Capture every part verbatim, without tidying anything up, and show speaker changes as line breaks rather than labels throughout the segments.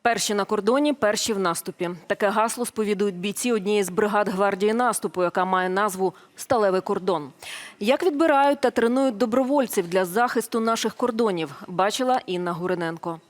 Перші на кордоні, перші в наступі. Таке гасло сповідують бійці однієї з бригад гвардії наступу, яка має назву «Сталевий кордон». Як відбирають та тренують добровольців для захисту наших кордонів, бачила Інна Гуриненко.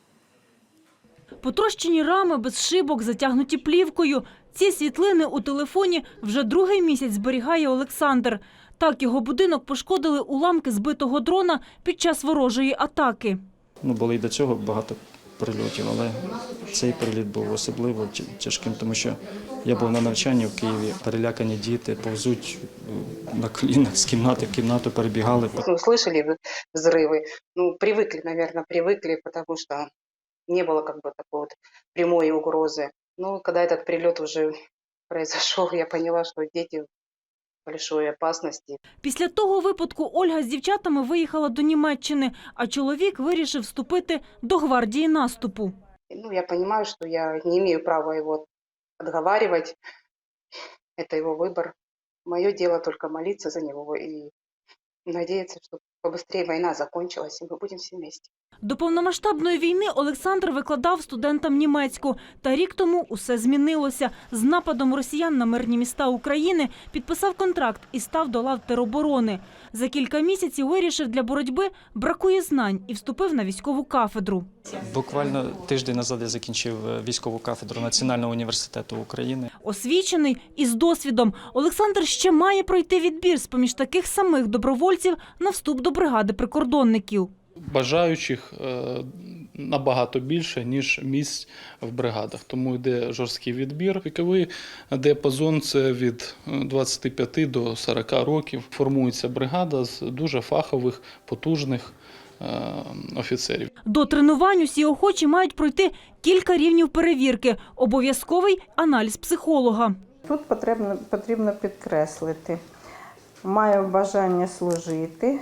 Потрощені рами без шибок, затягнуті плівкою. Ці світлини у телефоні вже другий місяць зберігає Олександр. Так його будинок пошкодили уламки збитого дрона під час ворожої атаки.
Ну, було і до цього багато прильотів, але цей приліт був особливо тяжким, тому що я був на навчанні в Києві, перелякані діти повзуть на колінах з кімнати в кімнату, перебігали.
Ну, слышали взрывы, ну, привыкли, наверное, привыкли, потому что не было как бы такой вот прямой угрозы. Ну, когда этот прилет уже произошел, я поняла, что дети в большой опасности.
Після того випадку Ольга з дівчатами виїхала до Німеччини, а чоловік вирішив вступити до гвардії наступу.
Ну, я понимаю, что я не имею права его отговаривать. Это его выбор. Мое дело только молиться за него и надеяться, что побыстрее война закончилась, и мы будем все вместе.
До повномасштабної війни Олександр викладав студентам німецьку. Та рік тому усе змінилося. З нападом росіян на мирні міста України підписав контракт і став до лав тероборони. За кілька місяців вирішив, для боротьби бракує знань і вступив на військову кафедру.
Буквально тиждень назад я закінчив військову кафедру Національного університету України.
Освічений і з досвідом, Олександр ще має пройти відбір з-поміж таких самих добровольців на вступ до бригади прикордонників.
Бажаючих набагато більше, ніж місць в бригадах. Тому йде жорсткий відбір. Віковий діапазон – це від двадцяти п'яти до сорока років. Формується бригада з дуже фахових, потужних офіцерів.
До тренувань усі охочі мають пройти кілька рівнів перевірки. Обов'язковий аналіз психолога.
Тут потрібно, потрібно підкреслити. Маю бажання служити.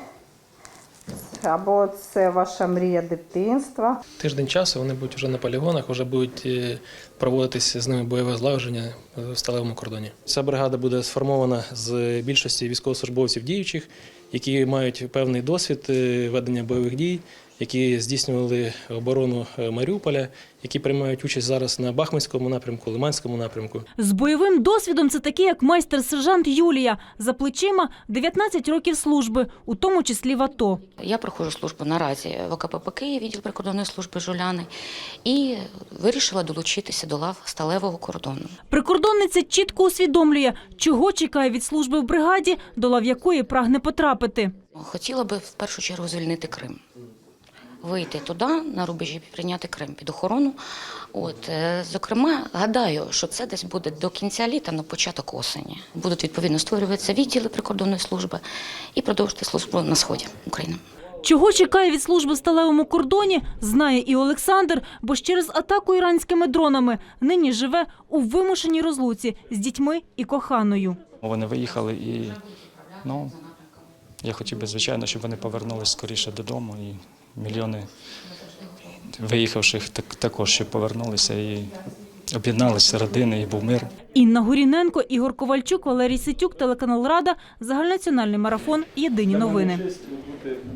Або це ваша мрія дитинства.
Тиждень часу вони будуть вже на полігонах, вже будуть проводитися з ними бойове злагодження в сталевому кордоні. Ця бригада буде сформована з більшості військовослужбовців діючих, які мають певний досвід ведення бойових дій, які здійснювали оборону Маріуполя, які приймають участь зараз на Бахмутському напрямку, Лиманському напрямку.
З бойовим досвідом це такі, як майстер-сержант Юлія. За плечима дев'ятнадцять років служби, у тому числі в АТО.
Я проходжу службу наразі в ОКПП Київ, відділ прикордонної служби «Жуляни», і вирішила долучитися до лав сталевого кордону.
Прикордонниця чітко усвідомлює, чого чекає від служби в бригаді, до лав якої прагне потрапити.
Хотіла би в першу чергу звільнити Крим. Вийти туди, на рубежі, прийняти Крим під охорону. От, зокрема, гадаю, що це десь буде до кінця літа, на початок осені. Будуть, відповідно, створюватися відділи прикордонної служби і продовжити службу на сході України.
Чого чекає від служби в сталевому кордоні, знає і Олександр, бо ж через атаку іранськими дронами нині живе у вимушеній розлуці з дітьми і коханою.
Вони виїхали і, ну, я хотів би, звичайно, щоб вони повернулися скоріше додому. І мільйони виїхавших також ще повернулися і об'єдналися родини, і був мир.
Інна Гуриненко, Ігор Ковальчук, Валерій Ситюк, телеканал «Рада», загальнонаціональний марафон «Єдині новини».